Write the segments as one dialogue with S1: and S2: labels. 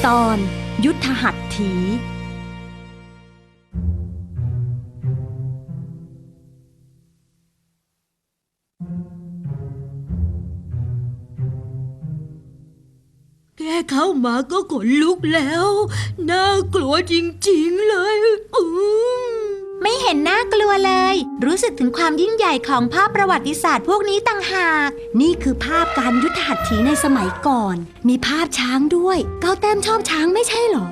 S1: ตอนยุทธหัตถี
S2: แค่เข้ามาก็ขนลุกแล้วน่ากลัวจริงๆเลย
S3: ไม่เห็นน่ากลัวเลยรู้สึกถึงความยิ่งใหญ่ของภาพประวัติศาสตร์พวกนี้ต่างหาก
S1: นี่คือภาพการยุทธหัตถีในสมัยก่อนมีภาพช้างด้วยก้าวแต้มชอบช้างไม่ใช่หรอ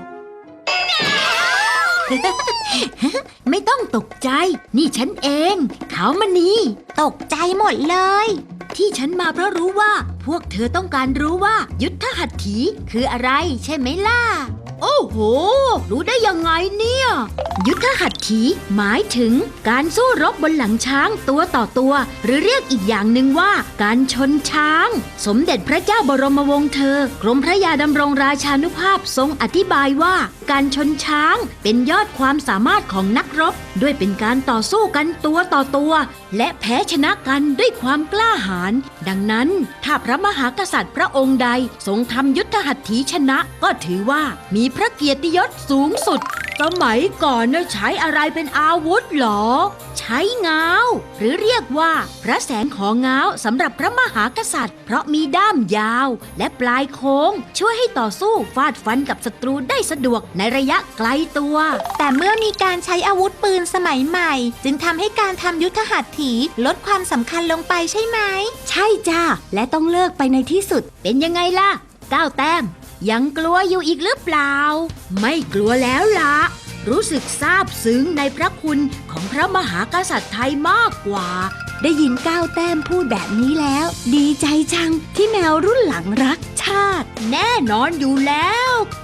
S2: ไม่ต้องตกใจนี่ฉันเองขาวมณี
S3: ตกใจหมดเลย
S2: ที่ฉันมาเพราะรู้ว่าพวกเธอต้องการรู้ว่ายุทธหัตถีคืออะไรใช่ไหมล่ะโอ้โหรู้ได้ยังไงเนี่ยยุทธหัตถีหมายถึงการสู้รบบนหลังช้างตัวต่อตัวหรือเรียกอีกอย่างหนึ่งว่าการชนช้างสมเด็จพระเจ้าบรมวงศ์เธอกรมพระยาดำรงราชานุภาพทรงอธิบายว่าการชนช้างเป็นยอดความสามารถของนักรบด้วยเป็นการต่อสู้กันตัวต่อตัวและแพ้ชนะกันด้วยความกล้าหาญดังนั้นถ้าพระมหากษัตริย์พระองค์ใดทรงทำยุทธหัตถีชนะก็ถือว่ามีพระเกียรติยศสูงสุดสมัยก่อนใช้อะไรเป็นอาวุธหรอใช้ง้าวหรือเรียกว่าพระแสงของง้าวสำหรับพระมหากษัตริย์เพราะมีด้ามยาวและปลายโค้งช่วยให้ต่อสู้ฟาดฟันกับศัตรูได้สะดวกในระยะไกลตัว
S3: แต่เมื่อมีการใช้อาวุธปืนสมัยใหม่จึงทำให้การทำยุทธหัตถีลดความสำคัญลงไปใช่ไหม
S1: ใช่จ้าและต้องเลิกไปในที่สุด
S2: เป็นยังไงล่ะ9 แต้มยังกลัวอยู่อีกหรือเปล่าไม่กลัวแล้วล่ะรู้สึกซาบซึ้งในพระคุณของพระมหากษัตริย์ไทยมากกว่า
S1: ได้ยินก้าวแต้มพูดแบบนี้แล้วดีใจจังที่แมวรุ่นหลังรักชาติ
S2: แน่นอนอยู่แล้ว